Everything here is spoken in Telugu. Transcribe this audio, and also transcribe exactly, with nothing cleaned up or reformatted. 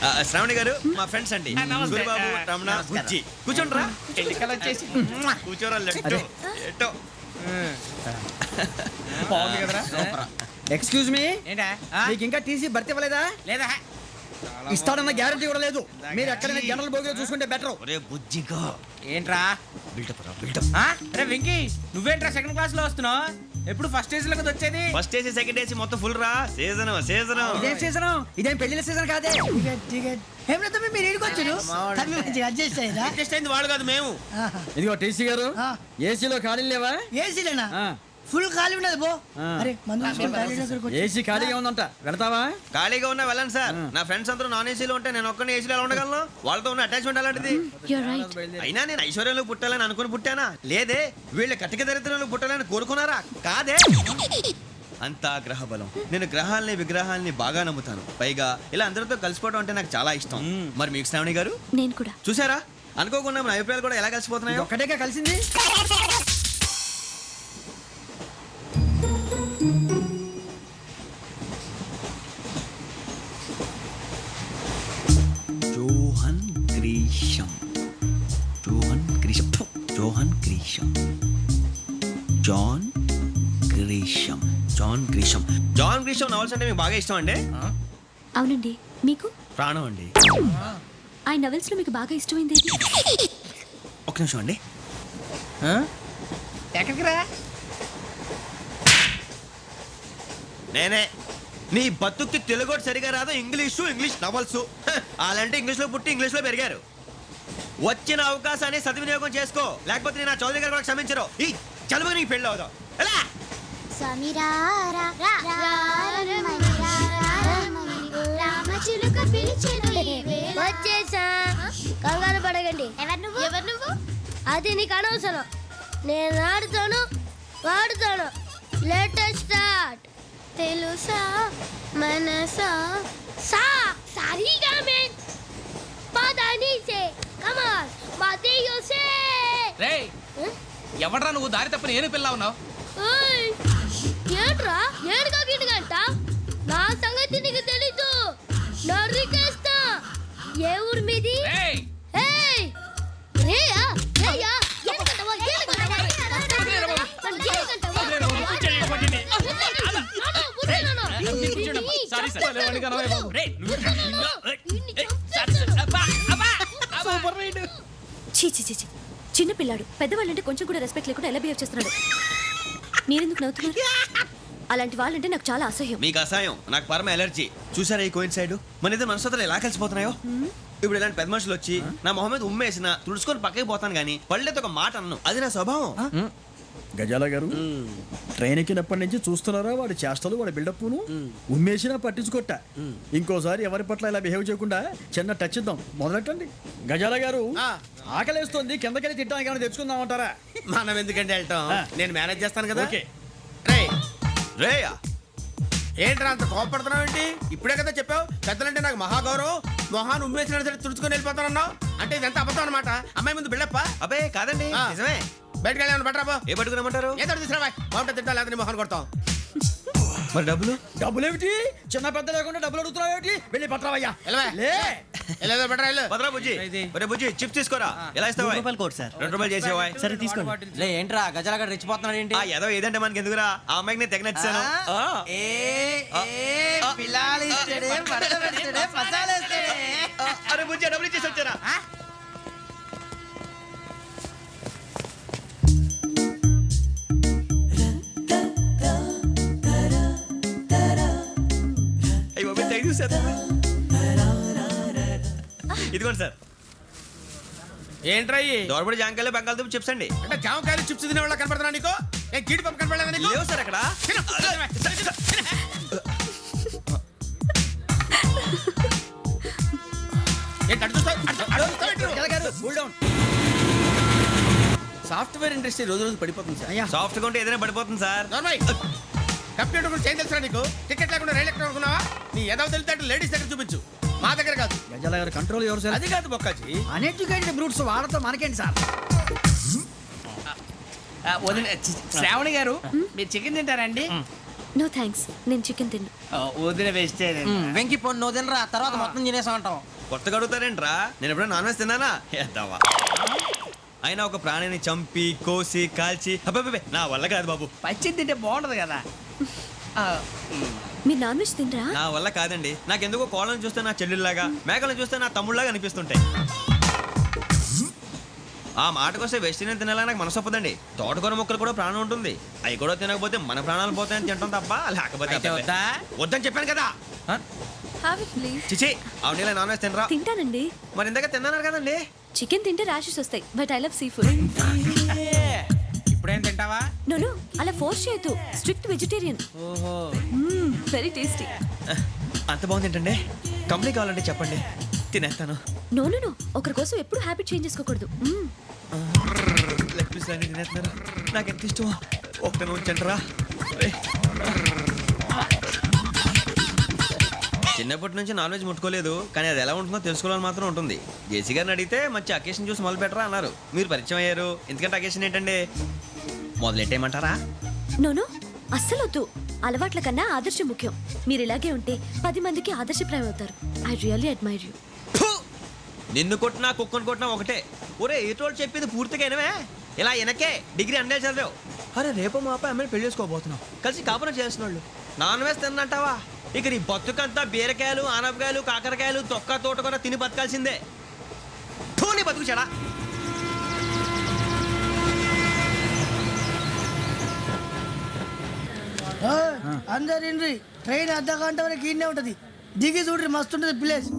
శ్రావణి గారు మా ఫ్రెండ్స్ అండి. గురుబాబు, రమణ, బుజ్జి. కూర్చోండిరా. కూర్చోరా. ఎట్టో బాగుంది కదరా. ఎక్స్క్యూజ్ మీ, ఏంటా మీకు ఇంకా టీసీ భర్తీ ఇవ్వలేదా? లేదా ఇస్తాడన్న గ్యారంటీ కూడా లేదు. మీరు ఎక్కడైనా జనరల్ బోగిలో చూసుకుంటే బెటర్. ఒరే బుజ్జిగా ఏంట్రా బిల్డప్ రా బిల్డప్. అరే వెంకీ, నువ్వేంట్రా సెకండ్ క్లాస్ లో వస్తున్నావు? ఎప్పుడు ఫస్ట్ ఏజ్ లో కదా వచ్చేది. ఫస్ట్ ఏసీ సెకండ్ ఏసీ మొత్తం ఫుల్ రా. సీజన్ సీజన్ ఇదేం సీజన్? ఇదేం పెళ్లిన సీజన్ కాదే. మీరు ఏడుకొచ్చారు అడ్జస్ట్ అయ్యారా? అడ్జస్ట్ అయింది వాడు కాదు మేము. ఇదిగో టీసీ గారు, ఏసీలో ఖాళీ లేవా? ఏసీలేనా? ఫుల్ ఖాళీ ఉన్నది బో. అరే ఏసీ ఖాళీగా ఉందంట, వెళతావా? ఖాళీగా ఉన్నా వెళ్ళండి సార్. నా ఫ్రెండ్స్ అందరూ నాన్ ఏసీలో ఉంటే నేను ఒక్కనే ఏసీలో ఎలా ఉండగలను? వాళ్ళతో ఉన్న అటాచ్మెంట్ అలాంటిది. అయినా నేను ఐశ్వర్యంలో పుట్టాలని అనుకుని పుట్టానా? లేదే. వీళ్ళ కటిక దరిద్రంలో పుట్టాలని కోరుకున్నారా? కాదే. అంతా గ్రహ బలం. నేను గ్రహాలని విగ్రహాలని బాగా నమ్ముతాను. పైగా ఇలా అందరితో కలిసిపోవడం అంటే నాకు చాలా ఇష్టం. మరి మీకు శ్రావణి గారు? నేను కూడా. చూసారా, అనుకోకుండా మన అభిప్రాయాలు కూడా ఎలా కలిసిపోతున్నాయి. ఒక్కటేగా కలిసింది. Johan Grisham Johan Grisham Johan Grisham John Grisham John Grisham John Grisham novels అంటే మీకు బాగా ఇష్టం అండి? అవునండి. మీకు? ప్రాణం అండి. ఆ నవెల్స్ లో మీకు బాగా ఇష్టమైంది ఒక నిమిషం అండి. ఎక్కడికి రా? నేనే. నీ బతుక్కి తెలుగు సరిగా రాదు. English English novels. అలాంటి ఇంగ్లీష్లో పుట్టి ఇంగ్లీష్లో పెరిగారు. వచ్చిన అవకాశాన్ని సద్వినియోగం చేసుకో, లేకపోతే నేను నా చౌదరి గారు కూడా క్షమించరు. ఈ చదువు నీకు పెళ్ళి అవుదాం. ఎలా వచ్చేసా. కంగారు పడగండి. ఎవరు నువ్వు? ఎవరు నువ్వు? అది నీకు అనవసరం. నేను ఆడుతాను, వాడుతాను. Latest start. తెలుసా మనసా సా సారీగా మెన్ పదని సే కమాన్ మాదేయో సే. రేయ్, ఎవడ్రా నువ్వు? దారి తప్పని ఏను పిల్ల ఉన్నావు? ఓయ్ ఏంట్రా ఏడుగా గిడుగంట? నా సంగతి నీకు తెలీదు. నరికేస్తా. ఏ ఊరు మీది? రేయ్ ఏయ్ రేయా రేయా ఏడుగంటవా ఏడుగంటవా చీ చీ చీ. చిన్న పిల్లాడు. పెద్దవాళ్ళంటే కొంచెం కూడా రెస్పెక్ట్ లేకుండా ఎలా బిహేవ్ చేస్తున్నాడు. మీరెందుకు నవ్వుతున్నారు? అలాంటి వాళ్ళంటే నాకు చాలా అసహ్యం. మీకు అసహ్యం, నాకు పరమ ఎలర్జీ. చూసారా ఈ కోయిన్ సైడ్? మన ఇద్దరు మనసులో ఎలా కలిసిపోతున్నాయో. ఇప్పుడు ఇలాంటి పెద్ద మనుషులు వచ్చి నా మొహం మీద ఉమ్మేసిన తుడుచుకొని పక్కకి పోతాను కానీ పళ్ళేతో ఒక మాట అన్ను. అది నా స్వభావం. గజాల గారు, ట్రైన్ ఎక్కినప్పటి నుంచి చూస్తున్నారా వాడి చేష్టలు, వాడి బిల్డప్ను? ఉమ్మేసినా పట్టించుకోట. ఇంకోసారి ఎవరి పట్ల ఇలా బిహేవ్ చేయకుండా చిన్న టచ్ ఇద్దాం. మొదలెట్టండి. గజాల గారు, ఆకలేస్తుంది, కిందకెళ్ళి తిట్టడానికి ఏమైనా తెచ్చుకుందామంటారా? మనం ఎందుకంటే వెళ్తాం, నేను మేనేజ్ చేస్తాను కదా. ఓకే. రేయ్ రేయా, ఏంట్రా అంత కోపడుతున్నావు ఏంటి? ఇప్పుడే కదా చెప్పావు పెద్దలంటే నాకు మహాగౌరవం. మొహాన్ని ఉమ్మేసిన సరే తుడుచుకొని వెళ్ళిపోతానన్నావు. అంటే ఇదంతా అబద్ధం అనమాట. అమ్మాయి ముందు బిల్డప్ప? అబ్బే కాదండి, నిజమే. బయటకు వెళ్ళాను బట్రాబో. ఏ పట్టుకురమ్మంటారు? ఏదో తీసుకురా బాగుంటుంది. తింటా లేదా మొహాన్ని కొడతాం. మరి డబ్బులు? డబ్బులు ఏమిటి? చిన్న పెద్ద లేకుండా డబ్బులు అడుగుతున్నావు ఏమిటి? వెళ్ళి పట్టరావయ్యా. వెళ్ళేదో బట్రా వెళ్ళు. భద్రా బుజ్జి, ఒరే బుజ్జి చిప్స్ తీసుకోరా. ఎలా ఇస్తావా? రూపాయలు కోట్ సార్. రెండు రూపాయలు చేసేవా? సరే తీసుకోండి. లే ఏంట్రా గజాల గడ రెచ్చిపోతున్నాడు ఏంటి? ఆ ఏదో ఏదంటే మనకి ఎందుకురా? ఆ అమ్మాయికి నేను తెగ నచ్చాను. అరే బుజ్జి, డబ్బులు ఇచ్చేసి వచ్చారా? ఇదిగోండి సార్. ఏంట్రా దోరబడి జాంకాయలు బంగాళదుంప చిప్స్ అండి. అంటే జామకాయలు చిప్స్ తినే వాళ్ళ కనపడుతున్నా నీకు? ఏ గీడి పంప కనపడలేదా నీకు? లేవు సార్ అక్కడ. సాఫ్ట్వేర్ ఇండస్ట్రీ రోజు రోజు పడిపోతుంది సార్. సాఫ్ట్ గా ఉంటే ఏదైనా పడిపోతుంది సార్. కంప్యూటర్ గురించి ఏం తెలుసా నీకు? టికెట్ లేకుండా రైలు ఎక్కడ అనుకున్నావా? నీ ఏదో తెలితే లేడీస్ దగ్గర చూపించు, మా దగ్గర కాదు. గజాల గారు కంట్రోల్ ఎవరు సార్? అది కాదు బొక్కాజీ. అన్ఎడ్యుకేటెడ్ బ్రూట్స్ వాళ్ళతో మనకేంటి సార్? శ్రావణి గారు, మీరు చికెన్ తింటారండి? నో థ్యాంక్స్ నేను చికెన్ తిన్నా వదిన వేస్తే మ్, వెంకి పొన్ను నువ్వు తినరా తర్వాత మొత్తం తినేసా ఉంటాం. కొత్తగా అడుగుతారేంట్రా నేను ఎప్పుడైనా నాన్ వెజ్ తిన్నానా ఎద్దావా అయినా ఒక ప్రాణిని చంపి కోసి కాల్చి అబ్బబ్బబ్బే, నా వల్ల కాదు బాబు. పచ్చి తింటే బాగుంటది కదా ఆ, మీరు నాన్ వెజ్ తినరా? నా వల్ల కాదండి. నాకెందుకో కోళ్ళని చూస్తే నా చెల్లెళ్ళలాగా, మేకలను చూస్తే నా తమ్ముళ్ళలాగా అనిపిస్తుంటాయి. ఆ మాటకొస్తే వెస్టిరియన్ తినాలని నాకు మనసు ఒప్పదండి. తోటకూర మొక్కలు కూడా ప్రాణం ఉంటుంది. అవి కూడా తినకపోతే మన ప్రాణాలు పోతాయని తింటాం తప్ప లేకపోతే అయితే అబ్బబ్బే. వద్దా? వద్దని చెప్పాను కదా. Have it please. చిచి అవునీ నాన్ వెజ్ తినరా? తింటానండి. మరి ఇందాక తిన్నాను కదండి. చికెన్ తింటే ర్యాషెస్ వస్తాయి but I love seafood. ఇప్పుడేం తింటావా? నో నో అలా ఫోర్స్ చేయొద్దు. Strict vegetarian. ఓహో వెరీ టేస్టీ. అంత బాగుంది ఏంటండి? కంప్లీట్ కావాలంటే చెప్పండి, తినేస్తాను. నో నో నో ఒకరి కోసం ఎప్పుడు హ్యాబిట్ చేంజ్ చేసుకోకూడదు. మ్మ్. లెగ్ పీస్ అన్ని తినేస్తున్నారు. నాకు ఎంత ఇష్టం. ఒకటే ఉంచండి రా. చిన్నప్పటి నుంచి నాన్ వెజ్ ముట్టుకోలేదు, కానీ అది ఎలా ఉంటుందో తెలుసుకోవాలని మాత్రం ఉంటుంది. జేసీ గారిని అడిగితే మంచి అకేషన్ చూసి మొదలు పెట్టరా అన్నారు. మీరు పరిచయం అయ్యారు, ఎందుకంటే అకేషన్ ఏంటండి? మొదలెట్టేయమంటారా? నో నో అస్సలు వద్దు. అలవాట్ల కన్నా ఆదర్శం ముఖ్యం. మీరు ఇలాగే ఉంటే పది మందికి ఆదర్శప్రాయం అవుతారు. I really admire you. ఫు! నిన్ను కొట్టినా కుక్కను కొట్టినా ఒకటే. ఒరే ఏటోళ్ళు చెప్పింది పూర్తిగా వినవే. ఇలా వెనకే డిగ్రీ అన్నే చదివావు. అరే రేపు మా అబ్బాయి అమ్మని పెళ్లి చేసుకోబోతున్నావు, కలిసి కాపురం చేసిన వాళ్ళు నాన్ వేసి తిన్నంటావా? ఇక నీ బతుకంతా బీరకాయలు ఆనపకాయలు కాకరకాయలు తొక్క తోట కూడా తిని బతకాల్సిందే. ఫు, నీ బతుకు చెడా. అందరు ఇండ్రి ట్రైన్ అర్ధ గంట వరకు ఇన్నే ఉంటది. దిగి చూడ్రి మస్తు ఉంటది ప్లేస్.